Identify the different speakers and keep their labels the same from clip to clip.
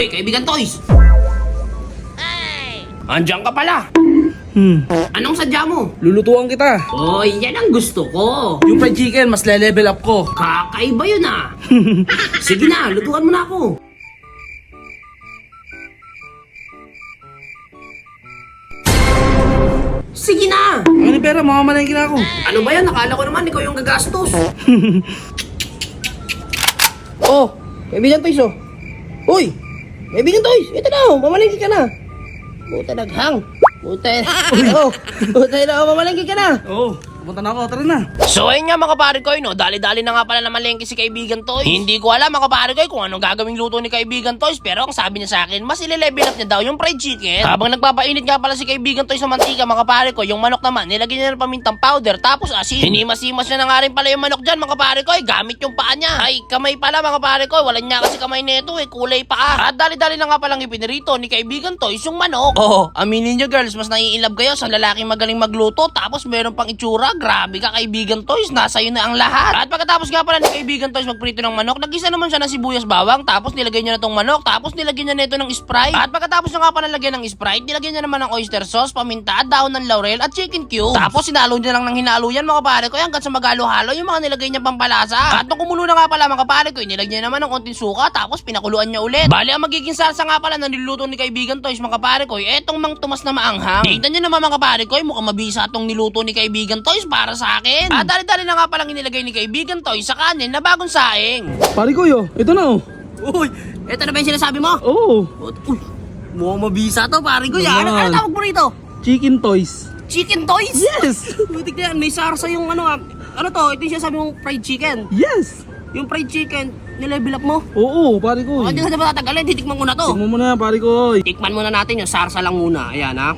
Speaker 1: Hoy, kaibigan Toys! Andiyan ka pala! Anong sadya mo?
Speaker 2: Lulutuan kita.
Speaker 1: Hoy, yan ang gusto ko!
Speaker 2: Yung fried chicken, mas le-level up ko.
Speaker 1: Kakaiba yun ah! Sige na, lutuan mo na ako! Sige na!
Speaker 2: Ano yung pera? Mamamalengke na ako.
Speaker 1: Ano ba yan? Nakala ko naman ikaw yung gagastos.
Speaker 3: Oh, kaibigan Toys oh. Uy, kaibigan Toys, ito na oh, mamalengke ka na. Buta naghang. Buta na, mamalengke ka na.
Speaker 2: Oo, pupunta na ako. Tara na.
Speaker 1: So ayun nga mga kapare ko, no? Dali-dali na nga pala na malengke si kaibigan Toys. Hindi ko alam mga kapare ko kung anong gagawing luto ni kaibigan Toys, pero ang sabi niya sa akin, mas ile-level up niya daw yung fried chicken. Habang nagpapainit nga pala si kaibigan Toys sa mantika mga kapare ko, yung manok naman, nilagyan niya ng pamintang powder, tapos asin. Hinimas-himas niya na nga rin pala yung manok dyan mga kapare ko, gamit yung paa niya. Ay, kamay pala mga kapare ko, wala niya kasi kamay nito kulay paa. At dali-dali na nga palang ipinirito ni kaibigan Toys yung manok. Oh, aminin niyo girls, mas nai-inlove kayo sa lalaking magaling magluto, tapos meron pang itsura. Grabe ka kaibigan Toys, nasa iyo na ang lahat. At pagkatapos nga pala ni kaibigan Toys magprito ng manok, nag-isa naman siya ng sibuyas bawang, tapos nilagay niya na tong manok, tapos nilagyan niya nito ng Sprite. At pagkatapos na nga pala lagyan ng Sprite, nilagyan niya naman ng oyster sauce, paminta, daon ng laurel at chicken cubes. Tapos sinalo niya lang ng hinalo yan mga pare ko, hanggang sa magalo-halo yung mga nilagay niya pampalasa. At nung kumulo na nga pala mga pare ko, nilagyan niya naman ng konting suka, tapos pinakuluan niya ulit. Bali ang magiging salsa nga pala na niluto ni kaibigan Toys mga pare ko, etong Mang Tomas na maanghang. Tingnan niyo naman mga pare ko, mukhang mabisa tong niluto ni kaibigan Toys para sa akin. At dali-dali na nga palang inilagay ni kaibigan Toys sa kanin na bagong saing.
Speaker 2: Pare ko yo, ito na oh.
Speaker 1: Uy, eto na ba yung sinasabi mo?
Speaker 2: Oo.
Speaker 1: Uy, mukhang mabisa to pare ko. Ano
Speaker 2: Naman.
Speaker 1: tawag mo rito?
Speaker 2: Chicken toys.
Speaker 1: Chicken Toys?
Speaker 2: Yes!
Speaker 1: Butik na yan, may sarsa yung ano to, ito yung sinasabi mong fried chicken.
Speaker 2: Yes!
Speaker 1: Yung fried chicken, nilevel up mo.
Speaker 2: Oo, pare ko.
Speaker 1: Hindi na ba tatagalin, titikman ko na to.
Speaker 2: Tingnan mo na, pare ko.
Speaker 1: Tikman muna natin yung sarsa lang muna. Ayan ha.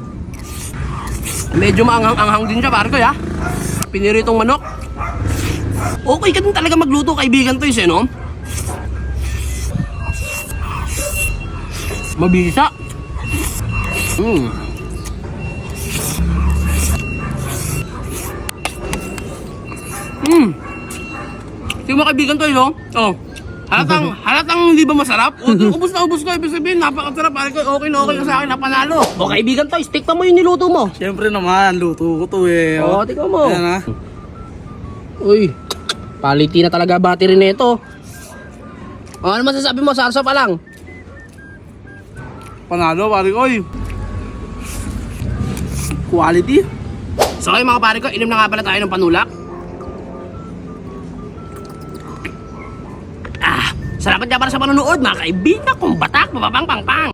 Speaker 1: Medyo maanghang-anghang din siya pare ko ya. Piniritong manok. Okay ka din talaga magluto kaibigan Toys no? Mabisa. Tingnan mo kaibigan Toys no? Oh. Halatang hindi ba masarap? Ubus na ubus ko, ibig sabihin napakasarap. Okay na okay ka sa akin, napanalo. O kaibigan Toys, tikman mo yung niluto mo.
Speaker 2: Siyempre naman, luto ko to eh.
Speaker 1: Oo, tingnan mo.
Speaker 2: Ayan ha.
Speaker 3: Uy, quality na talaga battery nito. Ano masasabi mo, sarsa pa lang?
Speaker 2: Panalo, pare ko. Quality.
Speaker 1: So okay mga pare ko, inom na nga pala tayo ng panulak. Salamat nga para sa panonood mga kaibigan kong batak, mapapang pang pang.